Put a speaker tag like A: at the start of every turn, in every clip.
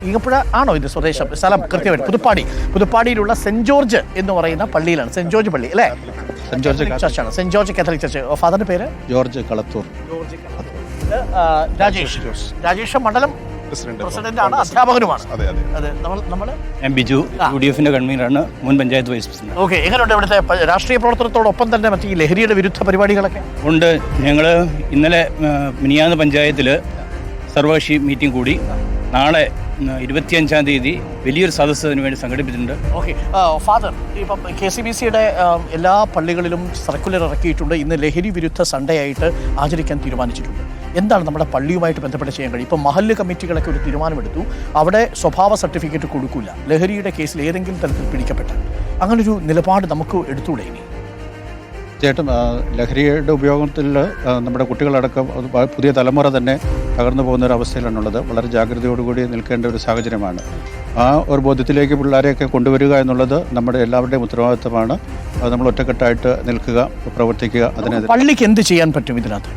A: ഈങ്ങപ്പുഴ ആണോ ഇത് സ്വദേശം? സ്ഥലം കൃത്യമായിട്ട് പുതുപ്പാടിയിലുള്ള സെന്റ് ജോർജ് എന്ന് പറയുന്ന പള്ളിയിലാണ്. സെന്റ് ജോർജ് പള്ളി അല്ലേ?
B: സെന്റ് ജോർജ്
A: ചർച്ചാണ്, സെന്റ് ജോർജ് കാത്തലിക് ചർച്ച്. ഫാദറിന്റെ പേര്
B: ജോർജ് കളത്തൂർ.
A: രാജേഷ് മണ്ഡലം പ്രസിഡന്റ് ആണ്, അധ്യാപകനുമാണ്.
B: ബിജു UDF കൺവീനറാണ്, മുൻ പഞ്ചായത്ത് വൈസ് പ്രസിഡന്റ്.
A: ഓക്കെ, എങ്ങനെയുണ്ട് ഇവിടുത്തെ രാഷ്ട്രീയ പ്രവർത്തനത്തോടൊപ്പം തന്നെ മറ്റേ ഈ ലഹരിയുടെ വിരുദ്ധ പരിപാടികളൊക്കെ
B: ഉണ്ട്? ഞങ്ങൾ ഇന്നലെ മിനിയാന്ന് പഞ്ചായത്തിൽ സർവകക്ഷി മീറ്റിംഗ് കൂടി. നാളെ 25-ാം തീയതി വലിയൊരു സദസ്സ് അതിനു വേണ്ടി സംഘടിപ്പിച്ചിട്ടുണ്ട്.
A: ഓക്കെ ഫാദർ, ഇപ്പം KCBCയുടെ എല്ലാ പള്ളികളിലും സർക്കുലർ ഇറക്കിയിട്ടുണ്ട്. ഇന്ന് ലഹരി വിരുദ്ധ സൺഡേ ആയിട്ട് ആചരിക്കാൻ തീരുമാനിച്ചിട്ടുണ്ട്. എന്താണ് നമ്മുടെ പള്ളിയുമായിട്ട് ബന്ധപ്പെട്ട് ചെയ്യാൻ കഴിയും? ഇപ്പം മഹല്ല് കമ്മിറ്റികളൊക്കെ ഒരു തീരുമാനമെടുത്തു, അവിടെ സ്വഭാവ സർട്ടിഫിക്കറ്റ് കൊടുക്കില്ല ലഹരിയുടെ കേസിൽ ഏതെങ്കിലും തരത്തിൽ പിടിക്കപ്പെട്ടാൽ. അങ്ങനൊരു നിലപാട് നമുക്ക് എടുത്തുകൂടെ ഇനി?
B: തീർച്ചയായിട്ടും ലഹരിയുടെ ഉപയോഗത്തിൽ നമ്മുടെ കുട്ടികളടക്കം പുതിയ തലമുറ തന്നെ തകർന്നു പോകുന്ന ഒരു അവസ്ഥയിലാണുള്ളത്. വളരെ ജാഗ്രതയോടുകൂടി നിൽക്കേണ്ട ഒരു സാഹചര്യമാണ്. ആ ഒരു ബോധ്യത്തിലേക്ക് പിള്ളേരെയൊക്കെ കൊണ്ടുവരിക എന്നുള്ളത് നമ്മുടെ എല്ലാവരുടെയും ഉത്തരവാദിത്തമാണ്. അത് നമ്മൾ ഒറ്റക്കെട്ടായിട്ട് നിൽക്കുക, പ്രവർത്തിക്കുക. അതിനെതിരെ
A: പള്ളിക്ക് എന്ത് ചെയ്യാൻ പറ്റും ഇതിനകത്ത്?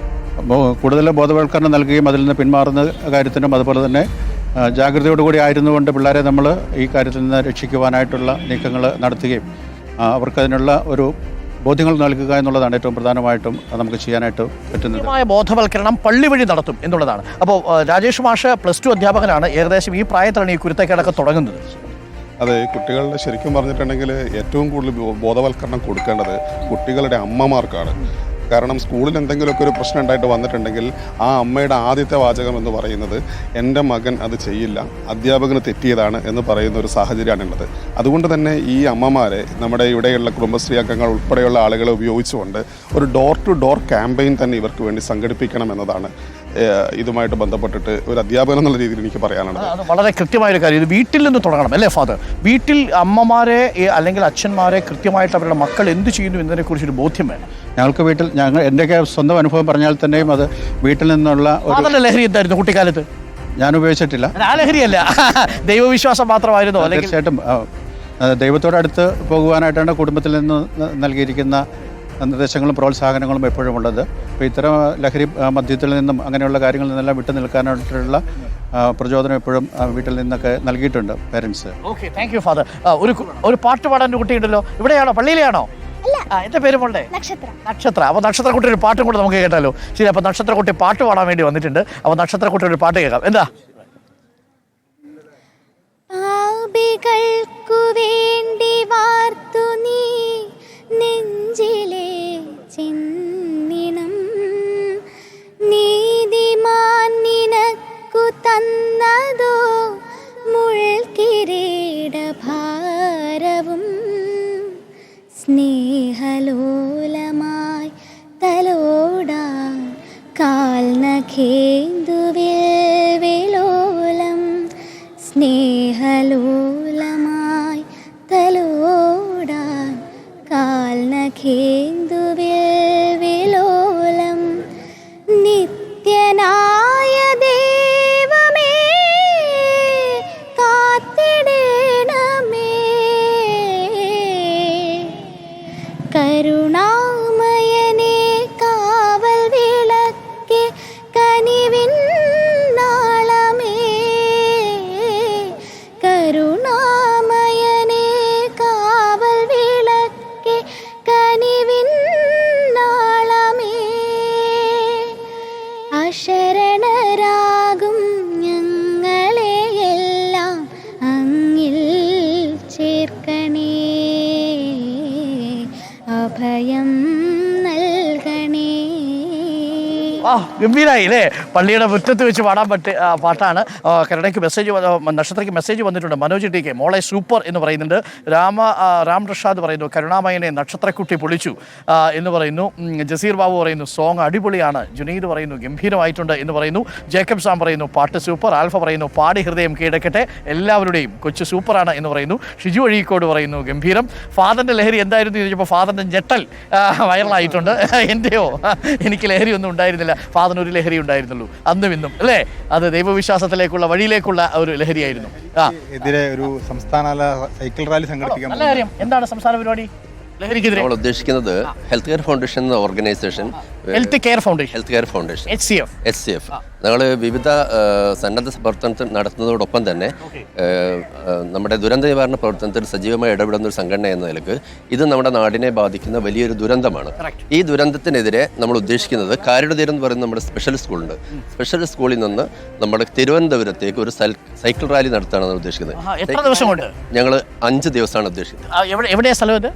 B: കൂടുതൽ ബോധവൽക്കരണം നൽകുകയും അതിൽ നിന്ന് പിന്മാറുന്ന കാര്യത്തിനും അതുപോലെ തന്നെ ജാഗ്രതയോടുകൂടി ആയിരുന്നുകൊണ്ട് പിള്ളേരെ നമ്മൾ ഈ കാര്യത്തിൽ നിന്ന് രക്ഷിക്കുവാനായിട്ടുള്ള നീക്കങ്ങൾ നടത്തുകയും അവർക്കതിനുള്ള ഒരു ബോധ്യങ്ങൾ നൽകുക എന്നുള്ളതാണ് ഏറ്റവും പ്രധാനമായിട്ടും നമുക്ക് ചെയ്യാനായിട്ട് പറ്റുന്നത്.
A: ബോധവൽക്കരണം പള്ളി വഴി നടത്തും എന്നുള്ളതാണ്. അപ്പോൾ രാജേഷ് മാഷ് +2 അധ്യാപകനാണ്. ഏകദേശം ഈ പ്രായത്തിലാണ് ഈ കുരുത്തക്കേടൊക്കെ തുടങ്ങുന്നത്.
C: അതെ, കുട്ടികളുടെ ശരിക്കും പറഞ്ഞിട്ടുണ്ടെങ്കിൽ ഏറ്റവും കൂടുതൽ ബോധവൽക്കരണം കൊടുക്കേണ്ടത് കുട്ടികളുടെ അമ്മമാർക്കാണ്. കാരണം സ്കൂളിൽ എന്തെങ്കിലുമൊക്കെ ഒരു പ്രശ്നം ഉണ്ടായിട്ട് വന്നിട്ടുണ്ടെങ്കിൽ ആ അമ്മയുടെ ആദ്യത്തെ വാചകം എന്ന് പറയുന്നത് എൻ്റെ മകൻ അത് ചെയ്യില്ല, അധ്യാപകന് തെറ്റിയതാണ് എന്ന് പറയുന്ന ഒരു സാഹചര്യമാണുള്ളത്. അതുകൊണ്ട് തന്നെ ഈ അമ്മമാരെ നമ്മുടെ ഇവിടെയുള്ള കുടുംബശ്രീ അംഗങ്ങൾ ഉൾപ്പെടെയുള്ള ആളുകളെ ഉപയോഗിച്ചുകൊണ്ട് ഒരു ഡോർ ടു ഡോർ ക്യാമ്പയിൻ തന്നെ ഇവർക്ക് വേണ്ടി സംഘടിപ്പിക്കണം എന്നതാണ് ഇതുമായിട്ട് ബന്ധപ്പെട്ടിട്ട് ഒരു അധ്യാപകൻ എന്നുള്ള രീതിയിൽ എനിക്ക് പറയാനുള്ളത്.
A: അത് വളരെ കൃത്യമായൊരു കാര്യം. ഇത് വീട്ടിൽ നിന്ന് തുടങ്ങണം അല്ലേ ഫാദർ? വീട്ടിൽ അമ്മമാരെ അല്ലെങ്കിൽ അച്ഛന്മാരെ കൃത്യമായിട്ട് അവരുടെ മക്കൾ എന്ത് ചെയ്യുന്നു എന്നതിനെക്കുറിച്ചൊരു ബോധ്യം വേണം.
B: ഞങ്ങൾക്ക് എൻ്റെയൊക്കെ സ്വന്തം അനുഭവം പറഞ്ഞാൽ തന്നെയും അത് വീട്ടിൽ നിന്നുള്ള
A: ഒരു ലഹരി എന്തായിരുന്നു കുട്ടിക്കാലത്ത്?
B: ഞാൻ ഉപയോഗിച്ചിട്ടില്ല.
A: ആ ലഹരിയല്ല, ദൈവവിശ്വാസം മാത്രമായിരുന്നു.
B: തീർച്ചയായിട്ടും ദൈവത്തോടടുത്ത് പോകുവാനായിട്ടാണ് കുടുംബത്തിൽ നിന്ന് നൽകിയിരിക്കുന്ന നിർദ്ദേശങ്ങളും പ്രോത്സാഹനങ്ങളും എപ്പോഴും ഉള്ളത്. അപ്പോൾ ഇത്തരം ലഹരി മദ്യത്തിൽ നിന്നും അങ്ങനെയുള്ള കാര്യങ്ങളിൽ നിന്നെല്ലാം വിട്ടു നിൽക്കാനായിട്ടുള്ള പ്രചോദനം എപ്പോഴും വീട്ടിൽ നിന്നൊക്കെ നൽകിയിട്ടുണ്ട് parents.
A: Okay, thank you father. ഒരു പാട്ട് പാടാൻ കുട്ടിയുണ്ടല്ലോ, ഇവിടെയാണോ പള്ളിയിലെയാണോ? എന്റെ പേര് മോളുടെ നക്ഷത്ര. അപ്പോൾ നക്ഷത്രക്കുട്ടി ഒരു പാട്ടും കൂടെ നമുക്ക് കേട്ടാലോ? ശരി, അപ്പോൾ നക്ഷത്രക്കുട്ടി പാട്ട് പാടാൻ വേണ്ടി വന്നിട്ടുണ്ട്. അപ്പോൾ നക്ഷത്രക്കുട്ടി ഒരു പാട്ട് കേൾക്കാം. എന്താ?
D: വേണ്ടി വാർത്തു നീ നെഞ്ചിലെ ചിന്നിണം, നീതിമാൻ നിനക്കു തന്നതോ മുൾക്കിരീടഭാരവും, സ്നേഹലോലമായി തലോടാൻ കാൽനഖേന്ദുവിൽ വിലോലം, സ്നേഹലോലമായി തലോടാൻ കാൽനഖേന്ദുവിൽ വിലോലം, നിത്യനായ ദൈവമേ കാത്തിടണമേ, കരുണാമയനേ കാവൽ വിളക്കേ കനിവിൻ നാളമേ, കരുണാമയനേ കാവൽ വിളക്കേ കനിവിൻ നാളമേ, അശരണരാകും ഞങ്ങളെയെല്ലാം അങ്ങിൽ ചേർക്കണേ, അഭയം നൽകണേ.
A: ഗംഭീരായി അല്ലേ? പള്ളിയുടെ മുറ്റത്ത് വെച്ച് പാടാൻ പറ്റിയ പാട്ടാണ്. കരുണയ്ക്ക് മെസ്സേജ്, നക്ഷത്രയ്ക്ക് മെസ്സേജ് വന്നിട്ടുണ്ട്. മനോജ് ടി.കെ മോളെ സൂപ്പർ എന്ന് പറയുന്നുണ്ട്. രാം റഷാദ് പറയുന്നു കരുണാമയനെ നക്ഷത്രക്കുട്ടി പൊളിച്ചു എന്ന് പറയുന്നു. ജസീർ ബാബു പറയുന്നു സോങ് അടിപൊളിയാണ്. ജുനീദ് പറയുന്നു ഗംഭീരമായിട്ടുണ്ട് എന്ന് പറയുന്നു. ജേക്കബ് സാം പറയുന്നു പാട്ട് സൂപ്പർ. ആൽഫ പറയുന്നു പാടി ഹൃദയം കീഴടക്കട്ടെ, എല്ലാവരുടെയും കൊച്ചു സൂപ്പറാണ് എന്ന് പറയുന്നു. ഷിജു അഴീക്കോട് പറയുന്നു ഗംഭീരം. ഫാദറിൻ്റെ ലഹരി എന്തായിരുന്നു എന്ന് ചോദിച്ചപ്പോൾ ഫാദറിൻ്റെ ഞെട്ടൽ വൈറലായിട്ടുണ്ട്. എൻ്റെയോ എനിക്ക് ലഹരി ഒന്നും ഉണ്ടായിരുന്നില്ല, ഫാദറിന് ഒരു ലഹരി ഉണ്ടായിരുന്നുള്ളൂ അന്നും ഇന്നും അല്ലേ? അത് ദൈവവിശ്വാസത്തിലേക്കുള്ള വഴിയിലേക്കുള്ള ഒരു ലഹരിയായിരുന്നു.
E: എതിരെ ഒരു സംസ്ഥാന സൈക്കിൾ റാലി സംഘടിപ്പിക്കാൻ.
A: നല്ല കാര്യം. എന്താണ് സംസ്ഥാന പരിപാടി? ലഹരിക്കെതിരെ
E: നമ്മൾ ഉദ്ദേശിക്കുന്നത് ഹെൽത്ത് കെയർ ഫൗണ്ടേഷൻ എന്ന organisation
A: health care foundation
E: HCF
A: HCF
E: ഞങ്ങൾ വിവിധ സന്നദ്ധ പ്രവർത്തനത്തിൽ നടത്തുന്നതോടൊപ്പം തന്നെ നമ്മുടെ ദുരന്ത നിവാരണ പ്രവർത്തനത്തിൽ സജീവമായി ഇടപെടുന്ന ഒരു സംഘടന എന്ന നിലക്ക് ഇത് നമ്മുടെ നാടിനെ ബാധിക്കുന്ന വലിയൊരു ദുരന്തമാണ്. ഈ ദുരന്തത്തിനെതിരെ നമ്മൾ ഉദ്ദേശിക്കുന്നത് കാരുണ്യതീരം എന്ന് പറയുന്ന നമ്മുടെ സ്പെഷ്യൽ സ്കൂളുണ്ട്. സ്പെഷ്യൽ സ്കൂളിൽ നിന്ന് നമ്മുടെ തിരുവനന്തപുരത്തേക്ക് ഒരു സൈക്കിൾ റാലി നടത്താനാണ് ഉദ്ദേശിക്കുന്നത്.
A: എത്ര ദിവസം കൊണ്ട്?
E: ഞങ്ങൾ 5 ദിവസമാണ് ഉദ്ദേശിക്കുന്നത്.
A: എവിടെയാ സ്ഥലം ഇത്?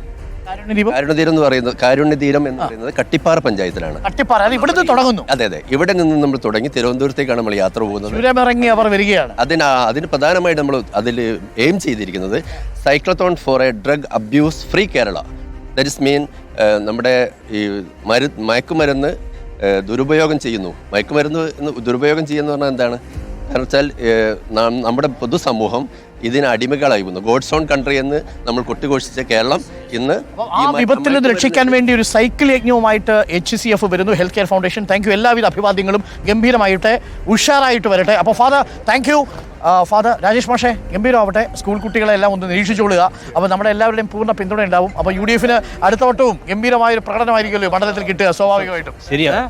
E: കാരുണ്യതീരം എന്ന് പറയുന്നത് കട്ടിപ്പാറ പഞ്ചായത്തിലാണ്.
A: ഇവിടുന്ന് തുടങ്ങുന്നു.
E: അതെ, ഇവിടെ നിന്ന് നമ്മൾ തുടങ്ങി തിരുവനന്തപുരത്തേക്കാണ് നമ്മൾ യാത്ര പോകുന്നത്.
A: ഇറങ്ങി അവർ വരികയാണ്.
E: അതിന് പ്രധാനമായിട്ട് നമ്മൾ അതിൽ എയിം ചെയ്തിരിക്കുന്നത് cyclathon for a drug abuse free Kerala. That is mean നമ്മുടെ ഈ മയക്കുമരുന്ന് ദുരുപയോഗം ചെയ്യുന്നു. മയക്കുമരുന്ന് ദുരുപയോഗം ചെയ്യുന്ന പറഞ്ഞാൽ എന്താണ്? കാരണം വെച്ചാൽ നമ്മുടെ പൊതുസമൂഹം ഇതിന് അടിമകളായി വന്നു. ഗോഡ്സ് ഓൺ കൺട്രി എന്ന് നമ്മൾ കൊട്ടിഘോഷിച്ച കേരളം ഇന്ന്
A: ആ വിപത്തിൽ നിന്ന് രക്ഷിക്കാൻ വേണ്ടി ഒരു സൈക്കിൾ യജ്ഞവുമായിട്ട് HCF വരുന്നു, health care foundation. Thank you. എല്ലാവിധ അഭിവാദ്യങ്ങളും ഗംഭീരമായിട്ട് ഉഷാറായിട്ട് വരട്ടെ. അപ്പോൾ father thank you. Father Rajesh മാഷെ ഗംഭീരമാവട്ടെ. സ്കൂൾ കുട്ടികളെല്ലാം ഒന്ന് നിരീക്ഷിച്ചോളുക. അപ്പോൾ നമ്മുടെ എല്ലാവരുടെയും പൂർണ്ണ പിന്തുണ ഉണ്ടാവും. അപ്പോൾ UDF അടുത്ത വട്ടവും ഗംഭീരമായൊരു പ്രകടനമായിരിക്കുമല്ലോ മണ്ഡലത്തിൽ കിട്ടുക സ്വാഭാവികമായിട്ടും.
F: ശരിയാണ്.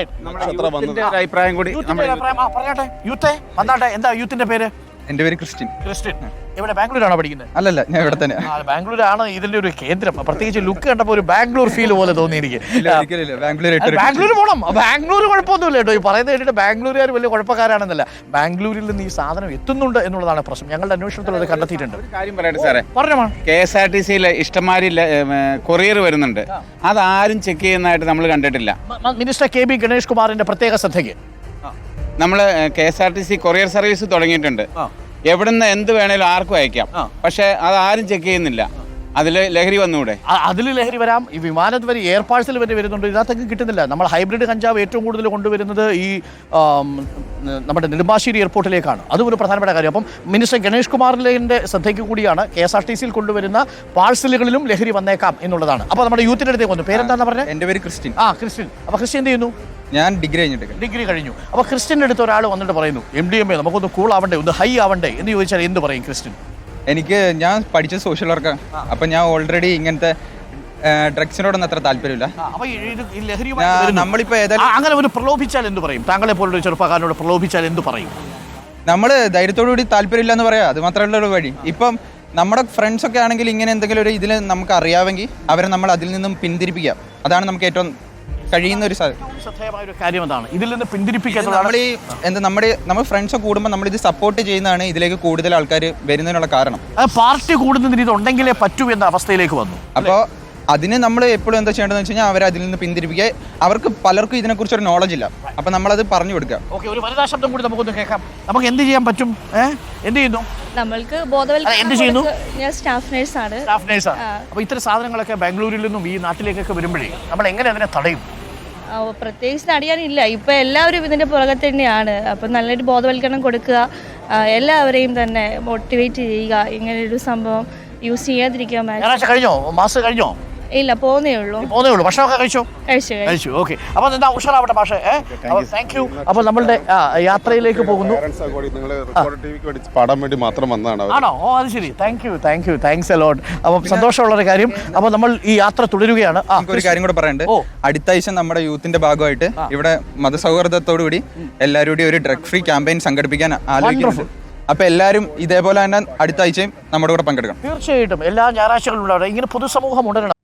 F: അഭിപ്രായം കൂടി
A: പറഞ്ഞാട്ടെ. യൂത്തേ വന്നാട്ടെ. എന്താ യൂത്തിന്റെ പേര്?
F: എൻ്റെ പേര് ക്രിസ്ത്യൻ.
A: ഇവിടെ ബാംഗ്ലൂരാണോ പഠിക്കുന്നത്?
F: അല്ലല്ല, ഞാൻ ഇവിടെ തന്നെ.
A: ബാംഗ്ലൂരാണ് ഇതിന്റെ ഒരു കേന്ദ്രം. പ്രത്യേകിച്ച് ലുക്ക് കണ്ടപ്പോൾ ഒരു ബാംഗ്ലൂർ ഫീൽ പോലെ തോന്നി എനിക്ക്. ബാംഗ്ലൂർ പോകണം. ബാംഗ്ലൂർ കുഴപ്പമൊന്നുമില്ല കേട്ടോ. ഈ പറയുന്നത് കേട്ടിട്ട് ബാംഗ്ലൂരുകാർ വലിയ കുഴപ്പക്കാരാണെന്നല്ല. ബാംഗ്ലൂരിൽ നിന്ന് ഈ സാധനം എത്തുന്നുണ്ട് എന്നുള്ളതാണ് പ്രശ്നം. ഞങ്ങളുടെ അന്വേഷണത്തിൽ അത് കണ്ടെത്തിയിട്ടുണ്ട്.
G: കാര്യം പറയട്ടെ സാറേ,
A: പറഞ്ഞോ.
G: KSRTC ഇഷ്ടംമാരി കൊറിയർ വരുന്നുണ്ട്. അതാരും ചെക്ക് ചെയ്യുന്നതായിട്ട് നമ്മൾ കണ്ടിട്ടില്ല.
A: മിനിസ്റ്റർ KB ഗണേഷ് കുമാറിന്റെ പ്രത്യേക ശ്രദ്ധയ്ക്ക്
G: നമ്മൾ KSRTC കൊറിയർ സർവീസ് തുടങ്ങിയിട്ടുണ്ട്. എവിടുന്ന് എന്ത് വേണേലും ആർക്കും അയക്കാം. പക്ഷെ അതാരും ചെക്ക് ചെയ്യുന്നില്ല. അതിൽ ലഹരി വന്നുകൂടെ?
A: അതിൽ ലഹരി വരാം. ഈ വിമാനത്ത് വരെ എയർ പാഴ്സൽ വരെ വരുന്നുണ്ട്. ഇതിനകത്തൊക്കെ കിട്ടുന്നില്ല. നമ്മൾ ഹൈബ്രിഡ് കഞ്ചാവ് ഏറ്റവും കൂടുതൽ കൊണ്ടുവരുന്നത് ഈ നമ്മുടെ നെടുമ്പാശ്ശേരി എയർപോർട്ടിലേക്കാണ്. അതും ഒരു പ്രധാനപ്പെട്ട കാര്യം. അപ്പം മിനിസ്റ്റർ ഗണേഷ് കുമാറിന്റെ ശ്രദ്ധയ്ക്ക് കൂടിയാണ് KSRTC കൊണ്ടുവരുന്ന പാഴ്സലുകളിലും ലഹരി വന്നേക്കാം എന്നുള്ളതാണ്. അപ്പോൾ നമ്മുടെ യൂത്തിന്റെ അടുത്തേക്ക് വന്നു. പേരെന്താണെന്ന് പറഞ്ഞത്?
F: എൻ്റെ പേര് ക്രിസ്ത്യൻ.
A: ക്രിസ്ത്യൻ. അപ്പോൾ ക്രിസ്ത്യൻ എന്ത് ചെയ്യുന്നു?
F: ഞാൻ ഡിഗ്രി കഴിഞ്ഞു.
A: അപ്പോൾ ക്രിസ്ത്യൻ്റെ അടുത്ത് ഒരാൾ വന്നിട്ട് പറയുന്നു MDMA നമുക്കൊന്ന് കൂൾ ആവണ്ടേ, ഒന്ന് ഹൈ ആവണ്ടേ എന്ന് ചോദിച്ചാൽ എന്ത് പറയും ക്രിസ്ത്യൻ?
F: ഞാൻ പഠിച്ച സോഷ്യൽ വർക്കാണ്. അപ്പം ഞാൻ ഓൾറെഡി ഇങ്ങനത്തെ ഡ്രഗ്സിനോടൊന്നും അത്ര താല്പര്യമില്ല. നമ്മളിപ്പോൾ
A: അങ്ങനെ ഒരു പ്രലോഭിച്ചാൽ എന്ത് പറയും? താങ്കളെ പോലൊരു ചെറുപ്പക്കാരനോട് പ്രലോഭിച്ചാൽ എന്ത് പറയും?
F: നമ്മൾ ധൈര്യത്തോടുകൂടി താല്പര്യമില്ല എന്ന് പറയാം. അത് മാത്രമല്ല ഒരു വഴി. ഇപ്പം നമ്മുടെ ഫ്രണ്ട്സൊക്കെ ആണെങ്കിൽ ഇങ്ങനെ എന്തെങ്കിലും ഒരു ഇതിൽ നമുക്ക് അറിയാമെങ്കിൽ അവരെ നമ്മൾ അതിൽ നിന്നും പിന്തിരിപ്പിക്കാം. അതാണ് നമുക്ക് ഏറ്റവും കഴിയുന്ന ഒരു
A: കാര്യം. അതാണ് ഇതിൽ നിന്ന് പിന്തിരിപ്പിക്കാൻ.
F: നമ്മൾ ഫ്രണ്ട്സ് കൂടുമ്പോൾ നമ്മൾ ഇത് സപ്പോർട്ട് ചെയ്യുന്നതാണ് ഇതിലേക്ക് കൂടുതൽ ആൾക്കാർ വരുന്നതിനുള്ള കാരണം.
A: പാർട്ടി കൂടുന്നതിന് ഇതുണ്ടെങ്കിലേ പറ്റൂ എന്ന അവസ്ഥയിലേക്ക് വന്നു.
F: അപ്പോൾ അതിന് നമ്മൾ എപ്പോഴും എന്താ ചെയ്യേണ്ടതെന്ന് വെച്ച് കഴിഞ്ഞാൽ അവരെ അതിൽ നിന്ന് പിന്തിരിപ്പിക്കുക. അവർക്ക് പലർക്കും ഇതിനെക്കുറിച്ച് ഒരു നോളജ് ഇല്ല. അപ്പം നമ്മളത് പറഞ്ഞു കൊടുക്കുക.
A: ഓക്കെ, ഒരു വനിതാ ശബ്ദം കൂടി നമുക്കൊന്ന് കേൾക്കാം. നമുക്ക് എന്ത് ചെയ്യാൻ പറ്റും? എന്ത് ചെയ്യുന്നു?
H: നമ്മൾക്ക് ബോധവൽക്കരണം.
A: എന്ത് ചെയ്യുന്നു?
H: ഞാൻ സ്റ്റാഫ് നേഴ്സാണ്.
A: അപ്പോൾ ഇത്തരം സാധനങ്ങളൊക്കെ ബാംഗ്ലൂരിൽ നിന്നും ഈ നാട്ടിലേക്കൊക്കെ വരുമ്പോഴേ നമ്മൾ എങ്ങനെ അതിനെ തടയും?
H: പ്രത്യേകിച്ച് തടയാനില്ല. ഇപ്പം എല്ലാവരും ഇതിൻ്റെ പുറകെ തന്നെയാണ്. അപ്പം നല്ലൊരു ബോധവൽക്കരണം കൊടുക്കുക, എല്ലാവരെയും തന്നെ മോട്ടിവേറ്റ് ചെയ്യുക, ഇങ്ങനൊരു സംഭവം യൂസ് ചെയ്യാതിരിക്കാൻ.
A: കഴിഞ്ഞോ? മാസം കഴിഞ്ഞോ?
H: ഇല്ല, പോകുന്നേ ഉള്ളൂ.
A: ഭക്ഷണമൊക്കെ കഴിച്ചു. ഓക്കെ, അപ്പോൾ എന്താ ഉഷാറാവട്ടെ മാഷേ. Thank you. അപ്പോൾ നമ്മളുടെ യാത്രയിലേക്ക് പോകുന്നു.
C: പാടാൻ വേണ്ടി മാത്രം വന്നതാണ്.
A: ആണോ? അത് ശരി. Thanks a lot. അപ്പം സന്തോഷമുള്ളൊരു കാര്യം. അപ്പോൾ നമ്മൾ ഈ യാത്ര തുടരുകയാണ്.
F: ഒരു കാര്യം കൂടെ പറയണ്ട്. അടുത്ത ആഴ്ച നമ്മുടെ യൂത്തിന്റെ ഭാഗമായിട്ട് ഇവിടെ മതസൗഹാർദ്ദത്തോടു കൂടി എല്ലാവരും കൂടി ഒരു ഡ്രഗ് ഫ്രീ ക്യാമ്പയിൻ സംഘടിപ്പിക്കാൻ ആലോചിക്കുന്നുണ്ട്. അപ്പൊ എല്ലാവരും ഇതേപോലെ തന്നെ അടുത്ത ആഴ്ചയും നമ്മുടെ കൂടെ പങ്കെടുക്കണം.
A: തീർച്ചയായിട്ടും എല്ലാ ഞായറാഴ്ചകളും ഉണ്ടാവും. ഇങ്ങനെ പൊതുസമൂഹം ഉണരണം.